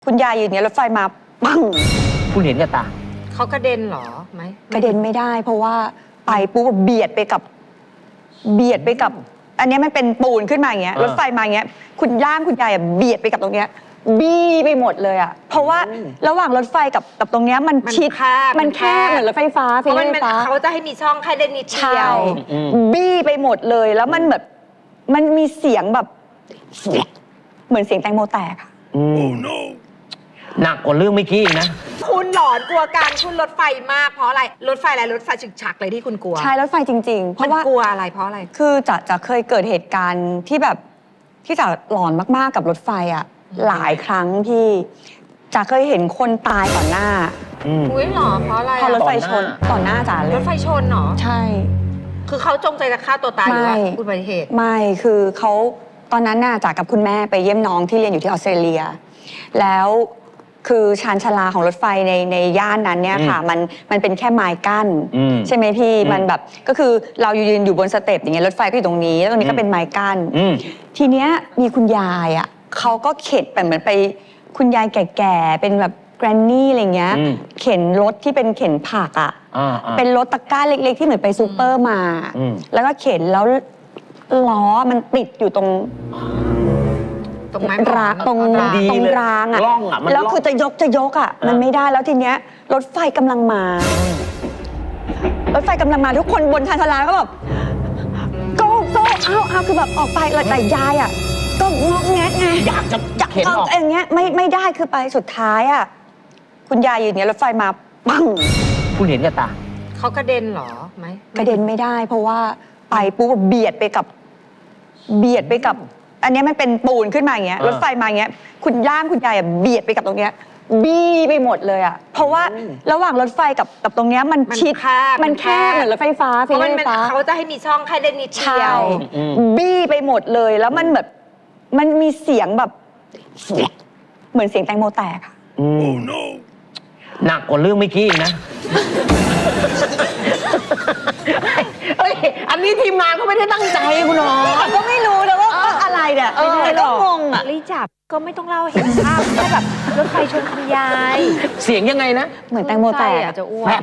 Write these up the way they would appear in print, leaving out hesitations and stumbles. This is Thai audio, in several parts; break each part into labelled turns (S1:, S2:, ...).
S1: คุณยายอยู่เนี่ยรถไฟมาปัง
S2: คุณเห็นกับตา
S3: เขากระเด็นเหรอไหม
S1: กระเด็นไม่ได้ เพราะว่าไปปุ๊บเบียดไปกับ อันนี้มันเป็นปูนขึ้นมาอย่างเงี้ยรถไฟมาอย่างเงี้ยคุณย่างคุณยายเบียดไปกับตรงเนี้ยบี้ไปหมดเลยอ่ะเพราะว่าระหว่างรถไฟกับตรงเนี้ยมันชิดมันแคบเหมือนรถไฟฟ้า
S3: เพราะเขาจะให้มีช่องแค่เด่นนิดเดียว
S1: บี้ไปหมดเลยแล้วมันแบบมันมีเสียงแบบเหมือนเสียงแตงโมแตกอะ
S2: หนักกว่าเรื่องเมื่อกี้อีกนะ
S3: คุณหลอนกลัวการขึ้นรถไฟมากเพราะอะไรรถไฟอะไรรถไฟฉึกฉักเลยที่คุณกลัว
S1: ใช่รถไฟจริงๆเพราะว่าก
S3: ลัวอะไรเพราะอะไร
S1: คือจะเคยเกิดเหตุการณ์ที่แบบที่จะหลอนมากๆกับรถไฟอ่ะหลายครั้งที่จะเคยเห็นคนตายต่อหน้า
S3: อุ้ยหรอเพราะอะไร
S1: พอรถไฟชนต่อหน้าจ๋าเลย
S3: รถไฟชนเหรอ
S1: ใช่
S3: คือเขาจงใจจะฆ่าตัวตายหรือว่าอุบัติเหตุ
S1: ไม่คือเขาตอนนั้นน่ะจ๋ากับคุณแม่ไปเยี่ยมน้องที่เรียนอยู่ที่ออสเตรเลียแล้วคือชานชาลาของรถไฟในย่านนั้นเนี่ยค่ะมันเป็นแค่ไม้กั้นใช่ไหมพี่มันแบบก็คือเรายืนอยู่บนสเต็ปอย่างเงี้ยรถไฟก็อยู่ตรงนี้แล้วตรงนี้ก็เป็นไม้กั้นทีเนี้ยมีคุณยายอ่ะเขาก็เข็นแบบเหมือนไปคุณยายแก่ๆเป็นแบบแกรนนี่อะไรเงี้ยเข็นรถที่เป็นเข็นผักอ่ะเป็นรถตะกร้าเล็กๆที่เหมือนไปซูเปอร์มาแล้วก็เข็นแล้วล้อมันติดอยู่ตรงรางตรงรางอ่ะแล้วคือจะยกอ่ะมันไม่ได้แล้วทีเนี้ยรถไฟกำลังมารถไฟกำลังมาทุกคนบนชานชาลาก็แบบโก้เอาคือแบบออกไปแต่ยายอ่ะก็งอกแงะไง
S2: อยากจะเข็นออก
S1: อย่างเงี้ยไม่ได้คือไปสุดท้ายอ่ะคุณยายอยู่เนี่ยรถไฟมาปัง
S2: คุณเห็นกับตา
S3: เขากระเด็นเหรอไหม
S1: กระเด็นไม่ได้เพราะว่าไปปุ๊บเบียดไปกับอันนี้มันเป็นปูนขึ้นมาอย่างเงี้ยรถไฟมาอย่างเงี้ยคุณย่างคุณยายเบียดไปกับตรงเนี้ยบี้ไปหมดเลยอ่ะเพราะว่าระหว่างรถไฟกับตรงเนี้ยมันชิดมันแคบเหมือนรถไฟฟ้า
S3: เพราะเขาจะให้มีช่องแค่เด่นนิดเดียว
S1: บี้ไปหมดเลยแล้วมันแบบมันมีเสียงแบบเหมือนเสียงแตงโมแตกอ่ะ
S2: หนักกว่าเรื่องเมื่อกี้อีกนะอันนี้ทีมงานก็ไม่ได้ตั้งใจคุณหมอ
S1: ก็ไม่รู้นะว่าอะไรเนี่ยแต่ก็งงอ่ะ
S3: รีจับก็ไม่ต้องเล่าเห็นภาพแค่แบบรถไฟชนคุณยาย
S2: เสียงยังไงนะ
S1: เหมือนแตงโมแตก
S3: จะอ้วก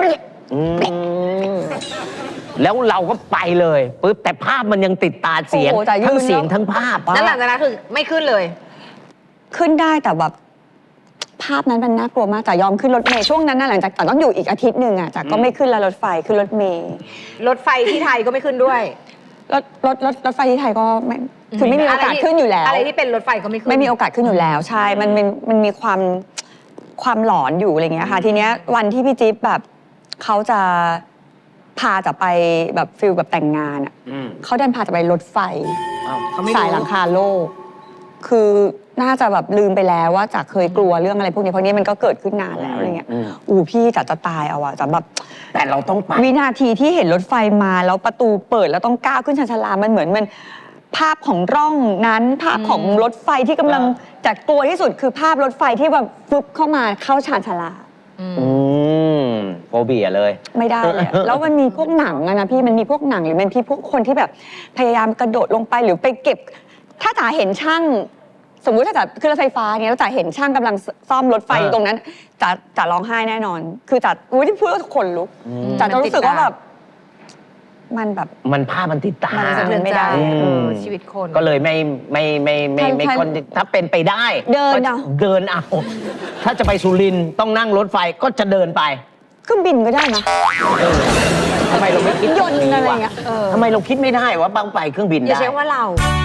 S2: แล้วเราก็ไปเลยปุ๊บแต่ภาพมันยังติดตาเสียงทั้งเสียงทั้งภาพ
S3: แล้วหลังจากนั้นคือไม่ขึ้นเลย
S1: ขึ้นได้แต่แบบภาพนั้นมันน่ากลัวมากจ๋ายอมขึ้นรถเมล์ช่วงนั้นนะหลังจากจ๋าต้องอยู่อีกอาทิตย์หนึ่งอ่ะจ๋าก็ไม่ขึ้นแล้วรถไฟขึ้นรถเมล์
S3: รถไฟที่ไทยก็ไม่ขึ้นด้วย
S1: รถไฟที่ไทยก็ไม่คือไม่มีโอกาสขึ้นอยู่แล้ว
S3: อะไรที่เป็นรถไฟก็ไม่ขึ้น
S1: ไม่มีโอกาสขึ้นอยู่แล้วใช่มันมีความหลอนอยู่อะไรเงี้ยค่ะทีเนี้ยวันที่พี่จิ๊บแบบเขาจะพาจะไปแบบฟิลแบบแต่งงานอ่ะเขาดันพาจะไปรถไฟสายหลังคาโลกคือน่าจะแบบลืมไปแล้วว่าจ๋าเคยกลัวเรื่องอะไรพวกนี้เพราะนี้มันก็เกิดขึ้นนานแล้วอะไรเงี้ยพี่จ๋าจะตายเอาอะจ๋าแบบ
S2: แต่เราต้องไป
S1: วินาทีที่เห็นรถไฟมาแล้วประตูเปิดแล้วต้องก้าวขึ้นชานชาลามันเหมือนมันภาพของร่องนั้นภาพของรถไฟที่กำลังจะกลัวที่สุดคือภาพรถไฟที่แบบฟึบเข้ามาเข้าชานชาลา
S2: โฟเบียเลย
S1: ไม่ได้เลยแล้วมันมีพวกหนังอะนะพี่มันมีพวกหนังหรือมันมีพวกคนที่แบบพยายามกระโดดลงไปหรือไปเก็บถ้าจ๋าเห็นช่างสมมุติถ้าจ๋าขึ้นรถไฟฟ้าเนี่ยแล้วจ๋าเห็นช่างกำลังซ่อมรถไฟตรงนั้นจ๋าร้องไห้แน่นอนคือจ๋าที่พูดแล้วขนลุกจ๋าจะรู้สึกว่าแบบมันแบบ
S2: มันภาพมันติดตา
S1: มันไม่ได้
S3: ชีวิตคน
S2: ก็เลยไม่คนถ้าเป็นไปได้
S1: เดิน
S2: เอาถ้าจะไปสุรินทร์ต้องนั่งรถไฟก็จะเดินไป
S1: เครื่องบินก็ได้นะ
S2: ทำไมเราไม่คิด
S1: ยนต์อะไรเงี้ย
S2: ทำไมเราคิดไม่ได้ว่าบางไปเครื่องบินได้
S3: อย่าใช้ว่าเรา